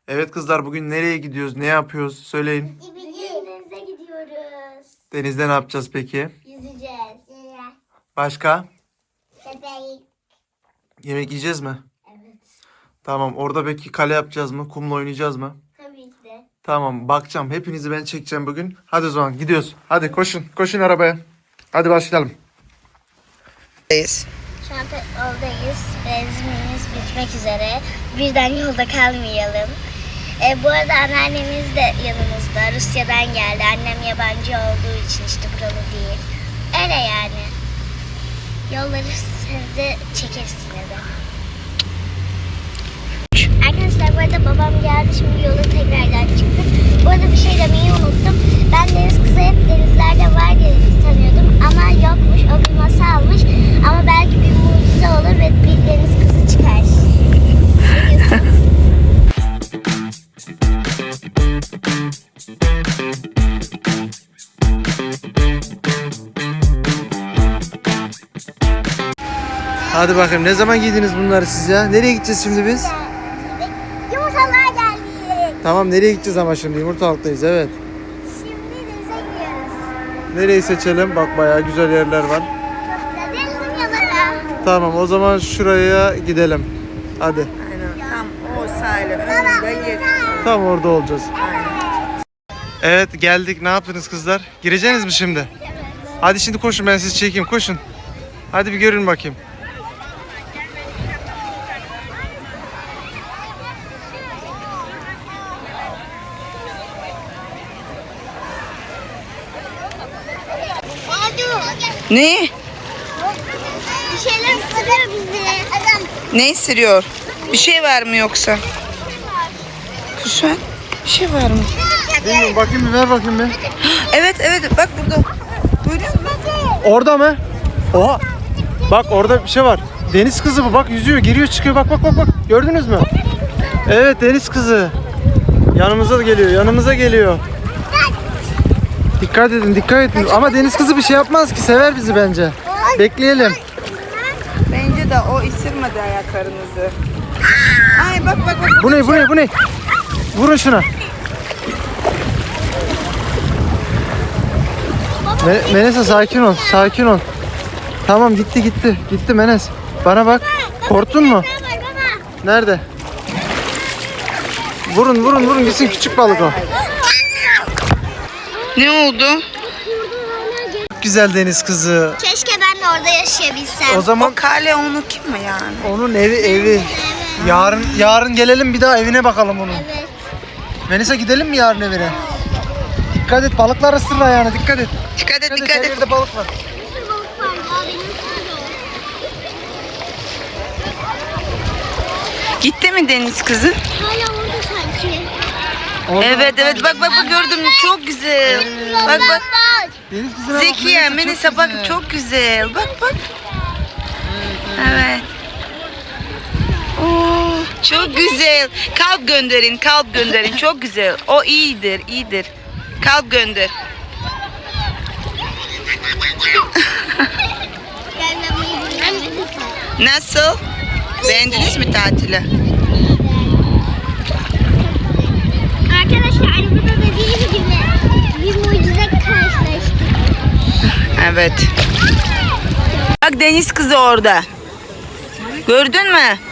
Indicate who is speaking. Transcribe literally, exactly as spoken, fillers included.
Speaker 1: Evet kızlar, bugün nereye gidiyoruz? Ne yapıyoruz? Söyleyin.
Speaker 2: Denize gidiyoruz.
Speaker 1: Denizde ne yapacağız peki?
Speaker 2: Yüzeceğiz.
Speaker 1: Başka?
Speaker 2: Köpek.
Speaker 1: Yemek yiyeceğiz mi?
Speaker 2: Evet.
Speaker 1: Tamam. Orada peki kale yapacağız mı? Kumla oynayacağız mı?
Speaker 2: Tabii ki de.
Speaker 1: Tamam. Bakacağım. Hepinizi ben çekeceğim bugün. Hadi o zaman gidiyoruz. Hadi koşun. Koşun arabaya. Hadi başlayalım.
Speaker 2: Şu an yoldayız. Benzinimiz bitmek üzere. Birden yolda kalmayalım. E, bu arada anneannemiz de yanımızda. Rusya'dan geldi. Annem yabancı olduğu için işte buralı değil. Öyle yani. Yolları siz de çekeriz yine de. Arkadaşlar bu arada babam geldi. Şimdi yola tekrardan çıktık. Bu arada bir şey demeyi unuttum. Ben deniz kızı hep denizlerde var diye sanıyordum. Ama yokmuş. O bir masalmış. Ama belki bir mucize olur ve bir deniz kızı çıkar. Ne diyorsun?
Speaker 1: Hadi bakayım. Ne zaman giydiniz bunları siz ya? Nereye gideceğiz şimdi biz?
Speaker 2: Yumurtalığa geldik.
Speaker 1: Tamam, nereye gideceğiz ama şimdi? Yumurtalıktayız, evet.
Speaker 2: Şimdi denize gidiyoruz.
Speaker 1: Nereyi seçelim? Bak bayağı güzel yerler var.
Speaker 2: Denizin yanına.
Speaker 1: Tamam, o zaman şuraya gidelim. Hadi.
Speaker 3: Aynen, tam o sahile önünde yer.
Speaker 1: Tam orada olacağız. Evet, geldik. Ne yaptınız kızlar? Gireceksiniz mi şimdi? Hadi şimdi koşun, ben sizi çekeyim. Koşun. Hadi bir görün bakayım.
Speaker 3: Ne?
Speaker 2: Bir şeyler ısırıyor bizi. Adam.
Speaker 3: Ne sürüyor? Bir şey var mı yoksa? Kuşan, bir şey var mı?
Speaker 1: Bilmiyorum, bakayım bir, ver bakayım bir.
Speaker 3: Evet evet bak burada. Görüyor musun?
Speaker 1: Orada mı? Oha. Bak orada bir şey var. Deniz kızı bu. Bak yüzüyor, giriyor, çıkıyor. Bak bak bak bak. Gördünüz mü? Evet, deniz kızı. Yanımıza geliyor. Yanımıza geliyor. Dikkat edin, dikkat edin. Ama deniz kızı bir şey yapmaz ki. Sever bizi bence. Bekleyelim.
Speaker 3: Bence de o ısırmadı ayaklarınızı. Ay bak bak bak.
Speaker 1: Bu ne? Bu ne? Bu ne? Vurun şuna. Me- Menesa sakin ol. Sakin ol. Tamam, gitti gitti. Gitti Menes. Bana bak. Korktun mu? Nerede? Vurun vurun vurun gitsin, küçük balık o.
Speaker 3: Ne oldu?
Speaker 1: Çok güzel deniz kızı.
Speaker 2: Keşke ben de orada yaşayabilsem.
Speaker 1: O zaman
Speaker 3: O kale onu kim mi yani?
Speaker 1: onun evi evi. Yarın yarın gelelim, bir daha evine bakalım onun.
Speaker 2: Evet.
Speaker 1: Menesa, gidelim mi yarın evine? Dikkat et, balıklar ısırır ayağını, dikkat et.
Speaker 3: Dikkat et
Speaker 1: Dikkat et,
Speaker 3: dikkat
Speaker 1: her
Speaker 3: et.
Speaker 1: yerde balık var.
Speaker 3: Gitti mi deniz kızı?
Speaker 2: Hala orada sanki.
Speaker 1: Orada-
Speaker 3: Evet evet bak bak bak gördüm çok güzel. Bak bak.
Speaker 1: Deniz kızına bak,
Speaker 3: Zekiye,
Speaker 1: Menesa,
Speaker 3: Melisa
Speaker 1: çok
Speaker 3: bak
Speaker 1: güzel.
Speaker 3: çok güzel. Bak bak. Evet. Oo, çok güzel. Kalp gönderin, kalp gönderin. Çok güzel. O iyidir, iyidir. Kalp gönder. Nasıl? Beğendiniz mi tatili?
Speaker 2: Arkadaşlar arabada dediğim gibi bir mucize karşılaştık.
Speaker 3: Evet. Bak deniz kızı orada. Gördün mü?